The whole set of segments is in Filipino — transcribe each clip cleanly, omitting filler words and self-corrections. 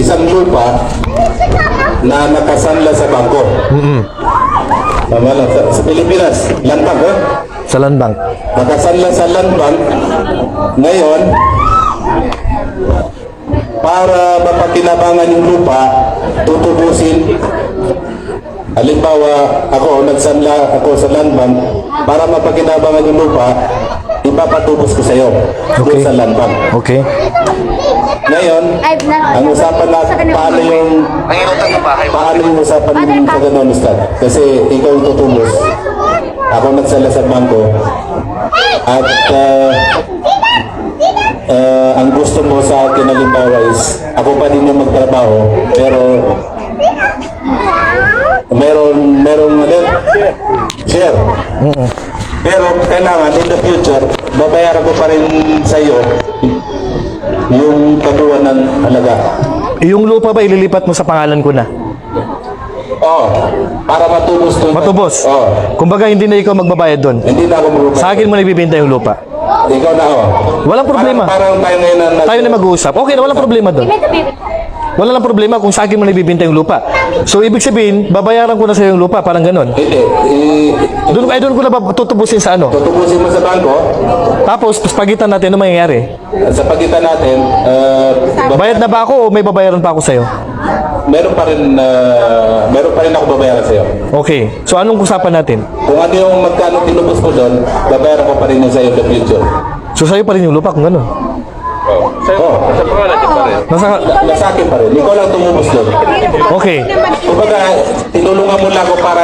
isang lupa na nakasanla sa bangko. Tama lang. Sa Pilipinas, land bank, eh? Sa land bank. Nakasanla sa land bank. Ngayon, para mapakinabangan yung lupa, tutubusin. Halimbawa, nagsanla ako sa land bank, para mapakinabangan yung lupa, ipapatubos ko sa iyo doon sa land bank. Okay. Ngayon, ang usapan natin, paano yung usapan sa ganun, Ustad? Kasi ikaw yung tutubos. Ako nagsala sa bangko. At ang gusto mo sa akin, halimbawa is, ako pa din yung magtrabaho, pero merong share. Pero kailangan in the future, babayaran ko pa rin sa iyo yung kabuuan ng halaga. Yung lupa ba ililipat mo sa pangalan ko na? Para matubos doon. Matubos? Kumbaga hindi na ikaw magbabayad doon? Hindi na ako magbabayad. Sa akin mo na ibibenta yung lupa? Ikaw na Walang problema. Parang tayo ngayon na... Tayo na mag-uusap. Okay na, walang problema doon. Wala lang problema kung sa akin mo na ibibenta yung lupa. So, ibig sabihin, babayaran ko na sa yung lupa, parang ganon. Hindi. Doon ko na ba tutubusin sa ano? Tutubusin mo sa bangko. Tapos, pagitan natin, ano mangyayari? Sa pagitan natin, Bayad na ba ako o may babayaran pa ako sa'yo? meron pa rin ako babayaran sa iyo. Okay. So, anong usapan natin? Kung ano yung magkano tinubos mo doon, babayaran ko pa rin yun sa iyo in the future. So, sa'yo pa rin yung lupa kung ganon? Sa pangalan pa rin. Nasa akin pa rin. Ikaw lang tumubos doon. Okay. Kumbaga, tinulungan mo lang ako para...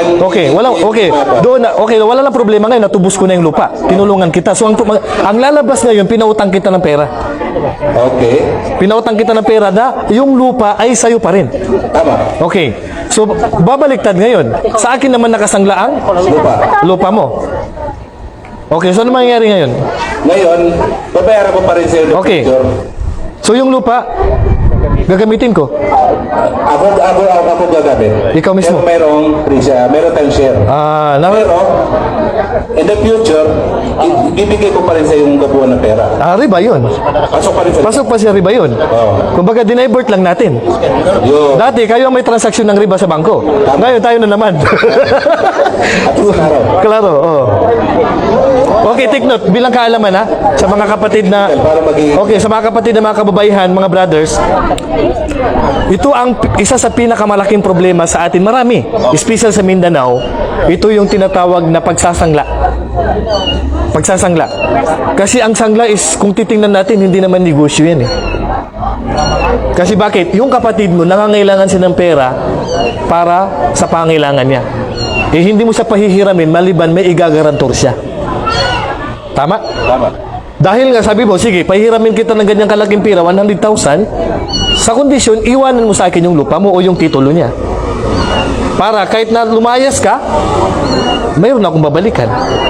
Wala lang problema ngayon, natubos ko na yung lupa. Tinulungan kita. So, ang lalabas ngayon, pinautang kita ng pera. Okay. Pinautang kita ng pera na yung lupa ay sa'yo pa rin. Tama. Okay. So, babaliktad ngayon. Sa akin naman nakasangla ang lupa mo. Okay, so ano mangyayari ngayon? Ngayon, babayaran ko pa rin sa iyo. Okay. So yung lupa, gagamitin ko. Ako gagamit. Ikaw mismo? Pero meron tayong share. Pero, in the future, bibigay ko pa rin sa yung kabuuan ng pera. Riba yun. Pasok pa rin sa... Pasok pa siya riba yun. Kumbaga, dinivert lang natin. Dati, kayo ang may transaksyon ng riba sa bangko. Ngayon, tayo na naman. Klaro, Okay, take note. Bilang kaalaman sa mga kapatid na... Okay, sa mga kapatid na mga kababayan, mga brothers, ito ang isa sa pinakamalaking problema sa atin. Marami. Special sa Mindanao, ito yung tinatawag na pagsasangla. Pagsasangla. Kasi ang sangla is, kung titingnan natin, hindi naman negosyo yan eh. Kasi bakit? Yung kapatid mo, nangangailangan siya ng pera para sa pangailangan niya. Hindi mo siya pahihiramin, maliban may igagarantor siya. Tama? Tama. Dahil nga sabi mo, sige, pahihiramin kita ng ganyang kalaking pera, 100,000, sa kondisyon, iwanan mo sa akin yung lupa mo o yung titulo niya. Para kahit na lumayas ka, mayroon akong babalikan.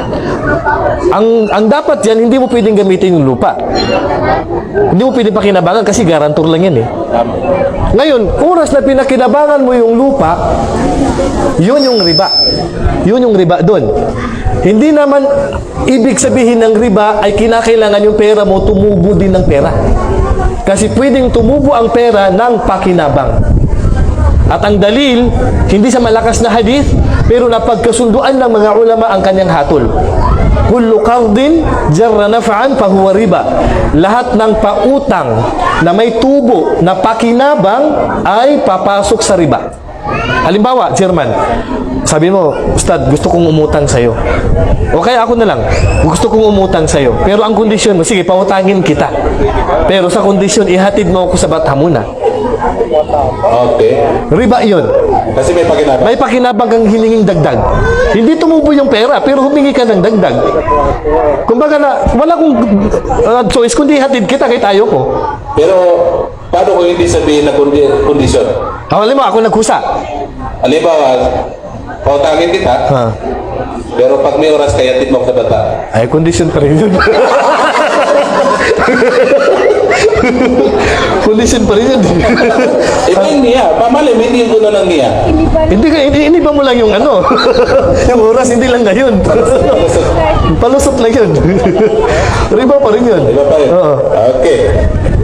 Ang dapat yan, hindi mo pwedeng gamitin yung lupa. Hindi mo pwedeng pakinabangan kasi garantor lang yan eh. Ngayon, oras na pinakinabangan mo yung lupa, yun yung riba. Yun yung riba doon. Hindi naman ibig sabihin ng riba ay kinakailangan yung pera mo tumubo din ng pera. Kasi pwedeng tumubo ang pera ng pakinabang. At ang dalil, hindi sa malakas na hadith, pero napagkasunduan ng mga ulama ang kanyang hatol. Kullu qardin jarra naf'an fahuwa riba. Lahat ng pautang na may tubo na pakinabang ay papasok sa riba. Halimbawa, Chairman, sabi mo, Ustad, gusto kong umutang sa'yo. O kaya ako na lang, gusto kong umutang sa'yo. Pero ang kondisyon mo, sige, pautangin kita. Pero sa kondisyon, ihatid mo ako sa Bathamuna. Okay. Riba yun. Kasi may pakinabang. May pakinabang kang hininging dagdag. Hindi tumubo yung pera, pero humingi ka ng dagdag. Kumbaga na, wala kong choice, kundi ihatid kita kahit ayaw ko. Pero, paano kung hindi sabihin na kondisyon? Halimbawa, ako nagkusa. Halimbawa, pautangin kita, pero pag may oras kaya mo ako sa bata. Ay, kondisyon pa rin yun. Kondisyon pa rin yun. Niya, pamalim, hindi ko na lang niya. Hindi ba mo lang yung ano? Yung oras, hindi lang na yun. Palusot lang yun. Riba pa rin yun. Riba pa rin? Okay.